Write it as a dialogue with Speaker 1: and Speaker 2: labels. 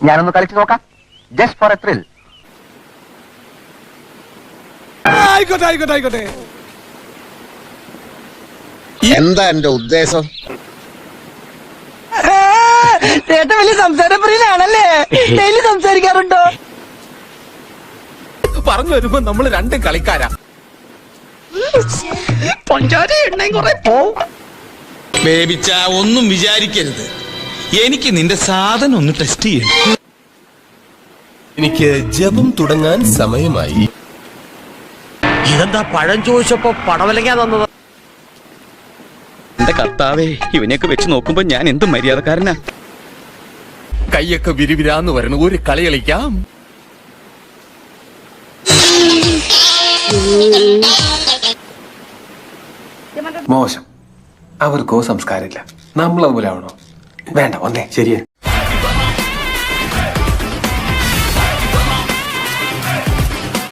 Speaker 1: ഞാനൊന്ന് കളിച്ചു നോക്കാം, ജസ്റ്റ് ഫോർ എ ത്രിൽ.
Speaker 2: ആയിക്കോട്ടെ ആയിക്കോട്ടെ ആയിക്കോട്ടെ.
Speaker 3: എന്താ എന്റെ ഉദ്ദേശം?
Speaker 4: ചേട്ടൻ വലിയ സംസാരപ്രിയനാണല്ലേ? ഡെയിലി സംസാരിക്കാറുണ്ടോ?
Speaker 2: പറഞ്ഞു വരുമ്പോ നമ്മൾ രണ്ടും കളിക്കാരാ.
Speaker 5: ബേബിച്ച ഒന്നും വിചാരിക്കരുത്, എനിക്ക് നിന്റെ സാധനം ഒന്ന് ടെസ്റ്റ് ചെയ്യണം.
Speaker 6: എനിക്ക് ജപം തുടങ്ങാൻ സമയമായി.
Speaker 7: ഇതെന്താ പഴം ചോദിച്ചപ്പോ പടവലങ്ങാ തന്നത്?
Speaker 8: എന്റെ കർത്താവേ, ഇവനെയൊക്കെ വെച്ച് നോക്കുമ്പോ ഞാൻ എന്ത് മര്യാദക്കാരനാ.
Speaker 2: കൈയൊക്കെ വിരിവിരാന്ന് വരണം, ഒരു കളി കളിക്കാം.
Speaker 6: മോശം, അവർക്കോ സംസ്കാരമില്ല. നമ്മൾ അതുപോലെ ആവണോ? വേണ്ട, വന്നേ ശരിയേ.